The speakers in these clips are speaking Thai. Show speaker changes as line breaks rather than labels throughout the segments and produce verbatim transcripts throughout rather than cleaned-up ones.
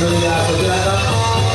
สุริยาสุริยาครับ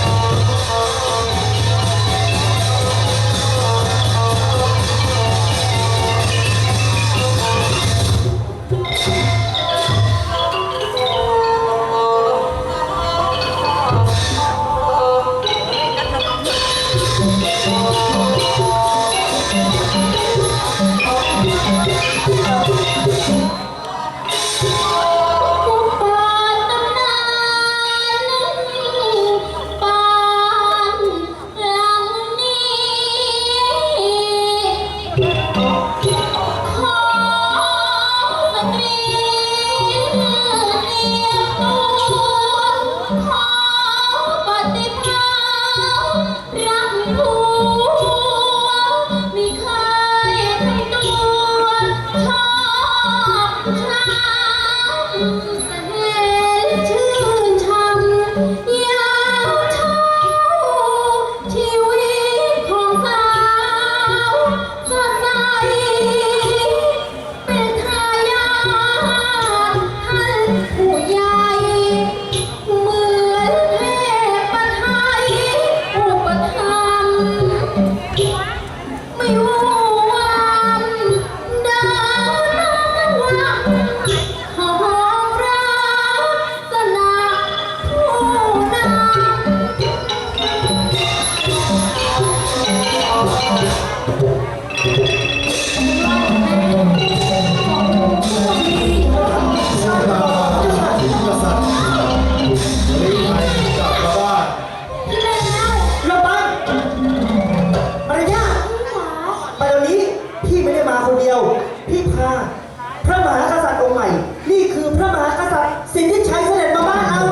พี่พาพระมหากษัตริย์องค์ใหม่นี่คือพระมหากษัตริย์สิทธิชัยเสด็จมาบ้านเรา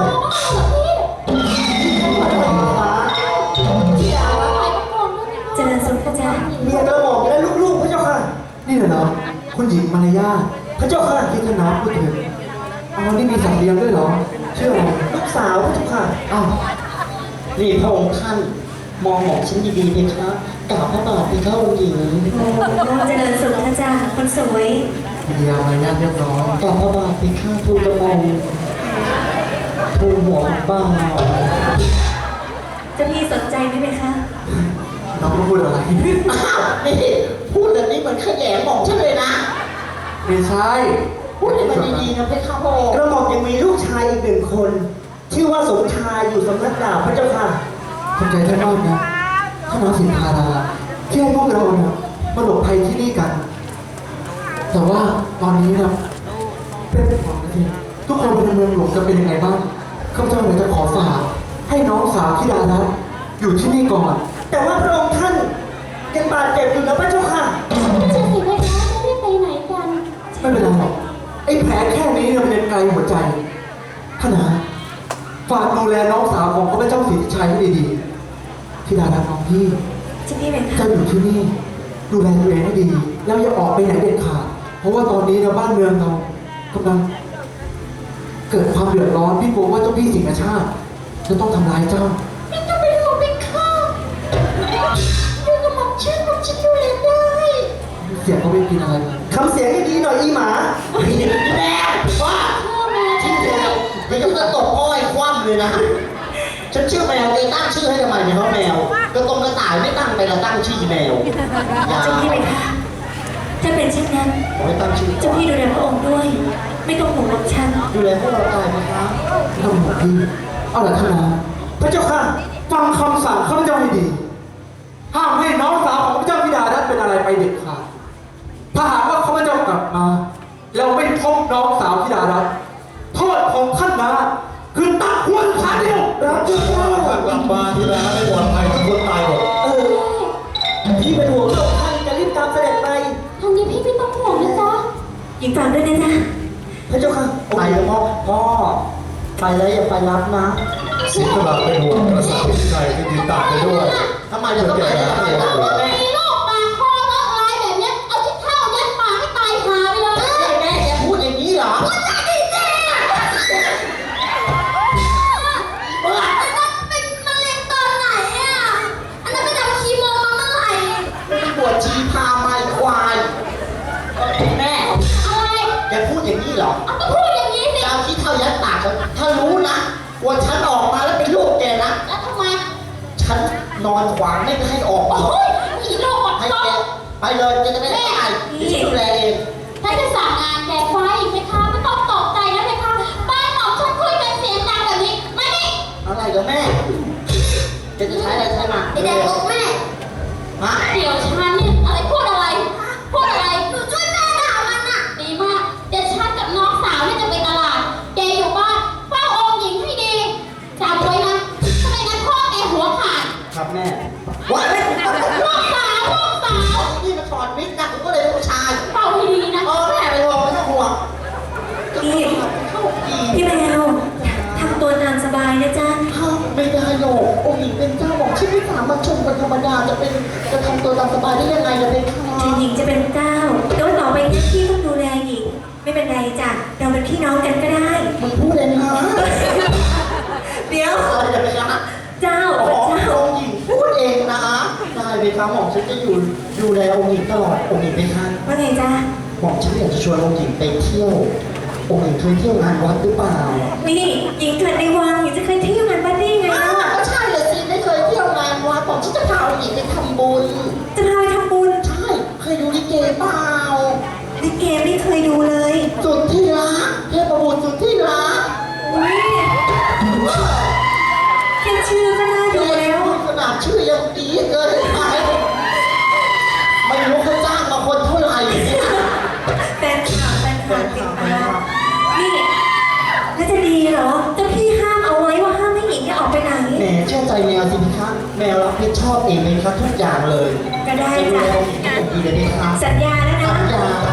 เจริญสุขพระเจ้า
เมียกระหม่อมและลูกๆพระเจ้าค่ะ
นี่เหรอคุณหญิงมารยา
พระเจ้าค่ะ
ที่ท่านน้าพูดถึงอ๋อนี่มีสัตว์เลี้ยงด้วยเหรอชื่ออะไร
ลูกสาวพระเจ้าค่ะ
อ้าว
นี่พระองค์ท่านมองหมองฉันดีๆเพคะกราบพระบาทเพคะองค์หญิง
เจริญสุขพระเจ้าคนสวย
มารยามารยาเรียบร้อย
กราบพระบาทเพคะทูลกระหม่อมทูลหัวบ่าว
จะพี่สนใจไหมเพคะ
น้องพูดอะไร
นี่พูดแบบนี้เหมือนขยะหม่อมฉันเลยนะ
ไม่ใช่
พูดให้มันดีๆนะเพคะพ่อกระหม่อมยังมีลูกชายอีกหนึ่งคนชื่อว่าสมชายอยู่สำนักดาบพระเจ้าค่ะ
ขอบใจท่านมากนะท่านน้าสินธาราที่ให้พวกเราเนี่ยมาหลบภัยที่นี่กัน แต่ว่าตอนนี้นะเป็นห่วงนะทีทุกคนในเมืองหลวงจะเป็นยังไงบ้างข้าพเจ้าเลยจะขอฝากให้น้องสาวธิดารัตน์อยู่ที่นี่ก่อน
แต่ว่าพระองค์ท่านยังบาดเจ็บอยู่นะพระเจ้าค่ะ
จะสิเพคะจะได้ไปไหนกัน
ไม่เป็นไรหรอกไอ้แผลแค่นี้เนี่ยมันยังไกลหัวใจท่านนะฝากดูแลน้องสาวของข้าพเจ้าสิทธิชัยให้ดีๆธิดารัตน์น้องพี่
จะพี่เป็น
จะอยู่ที่นี่ดูแลตัวเองให้ดีแล้วอย่าออกไปไหนเด็ดขาดเพราะว่าตอนนี้นะบ้านเมืองเรากำลังเกิดความเดือดร้อนพี่กลัวว่าเจ้าพี่สิงห์ชาติจะต้องทำร้ายเจ้า
ไม่ต้องไปห่วงไปข้าอยู่กับหม่อมฉันหม่อมฉันดูแลได้
เสียงเขาไม่กินอะไร
ทำเสียงให้ดีหน่อยอีหมาพี่แม่ว่าชื่อแมวไม่ต้องจะตบอ้อยคว่ำเลยนะฉันชื่อแมวเลยตั้งชื่อให้ทำไมเนี่ยเพราะแมวกระตรงกระต่ายไม่ตั้งไปเราตั้งชื่อแมว
จะพี่เป็นค่ะถ้าเป็นเช่นนั้น
ไม่ตั้งชื่อ
จะพี่ดูแลพระองค์ด้วยไม่ต้องห่วงหม่อมฉัน
ดูแลพวกเราได้ไหมครับ
ไม่ต้องห่วงพี่เอาล่ะท่านนะพระเจ้าค่ะฟังคำสั่งข้าพเจ้าให้ดีห้ามให้น้องสาวของพระเจ้าธิดารัตน์เป็นอะไรไปเด็ดขาดถ้าหากว่าข้าพเจ้ากลับมาแล้วไม่พบน้องสาวธิดารัตน์โทษของท่านนะคือตัดหัวขาเดียว
รับเจ้าว่าถ้ากลับมาทีแล้วไม่ปลอดภัยทุกคนตายหมด
เออพี่เป็นห่วงเราท่านจะรีบตามเสด็จไป
ทางนี้พี่ไม่ต้องห่วงนะจ๊ะหญิงฝากด้วยนะจ๊ะ
พระเจ้าค่ะไปแล้วพ่อพ่อไปแล้วอย่าไปรับนะ
สิงห์กำลังเป็นห่วงกษัตริย์สิทธิชัยที่ยืนตามไปด้วย
ทำไมจะต้องไปรับ
มีโรคปากคอโรคอะไรแบบนี้เอาที่เท่ายัดปากให้ตายหาไปเลย
แม่แกพูดอย่างนี้เหรอปวดชีพาไม้ควายแม่อะไรแกพูดอย่างนี้เหรอ
ก็พูดอย่างนี้สิ
ดาวที่เท่ายัดปากถ้ารู้นะว่าฉันออกมาแล้วนอนขวางไม่ให้ออก
โอ้ยอีโลกหมด
ให้
ต้
แก
น
ไปเลยแกจะไม่ได้ตายที่ดูแลเอง
ถ้าจะสั่งงานแกไฟไหมคะไม่ต้องตกใจนะไหมคะบ้านหมอมฉันคุยกันเสียงดังแบบนี้ไม่ได้
อะไรกับแม่แกจะใช้อะไรใช้มา
ไอแดงบอกแม่
ฮะ
เดี๋ยวฉันเนี่ยอะไรพูดอะไร พูดอะไรหนูช่วยแม่ด่ามันอ่ะดีมากเดี๋ยวฉันกับน้องสาวเนี่ยจะไปตลาดแกอยู่บ้านเฝ้าองค์หญิงให้ดีจำไว้นะทำไมงั้นพ่อแกหัวขาด
ครับแม่ว่าเล่น
ลูกสาวลูกสาว
นี่มาถอดมิกนะผมก็เลยเป็นผู้ชาย
เฝ้าให้ดีนะ
เออแม่ไปห่วงไม่ต้องห่วง
พี่
โชคดี
พี่แมวทำตัวตามสบายนะจ๊ะ
ห้ามไม่ได้หรอกองค์หญิงเป็นเจ้าบอกชื่อไม่สามารถชมกันธรรมดาจะเป็นจะทำตัวตามสบายได้ยังไงจะเป็นข้า
ถึงหญิงจะเป็นเจ้าแต่ว่าต่อไปนี้พี่ต้องดูแลหญิง ไม่เป็นไรจ้ะ เราเป็นพี่น้องกันก็ได้
มึงพูดเองนะ
เดี๋ยว
อะไรจะไปนะ
เจ้า
อ๋อ
เป็นเจ้า
องค์หญิงพูดเองนะได้เลยครับหม่อมฉันจะอยู่ดูแลองค์หญิงตลอดองค์หญิงเป็นท่าน
ว่าไงจ๊ะ
หม่อมฉันอยากจะชวนองค์หญิงไปเที่ยวองค์หญิงเคยเที่ยวงานวัดหรือเปล่า
นี่หญิงเกิดในวังหญิงจะเคยเที่ยวงานปาร์ตี้ไง
อ้าว
ล่ะ
ก็ใช่เลยสิไม่เคยเที่ยวงานวัดหม่อมฉันจะพาองค์หญิงไปทำบุญ
จะพาไปทำบุญ
ใช่เคยดูลิเกเปล่า
ลิเกไม่เคยดูเลย
สุดที่รักเทพบุตรสุดที่รัก
อุ้ยแค่ชื่อก็น่าดูแล้ว
ขนาดชื่อยังดีเกินไปไม่รู้เขาจ้างมาคนเท่าไหร่เนี่ย
แฟนคลับแฟนคลับติดตามนี่แล้วจะดีเหรอเจ้าพี่ห้ามเอาไว้ว่าห้ามให้หญิงเนี่ยออกไปไหน
แหมเชื่อใจแมวสิพี่ครับแมวรับผิดชอบเองเลยครับทุกอย่างเลย
ก็ได้
จะดู
จ้ะ
แลองค์หญิงให้อย่างดีเลยพี่ครับ
สัญญาแล้วนะ
สัญญา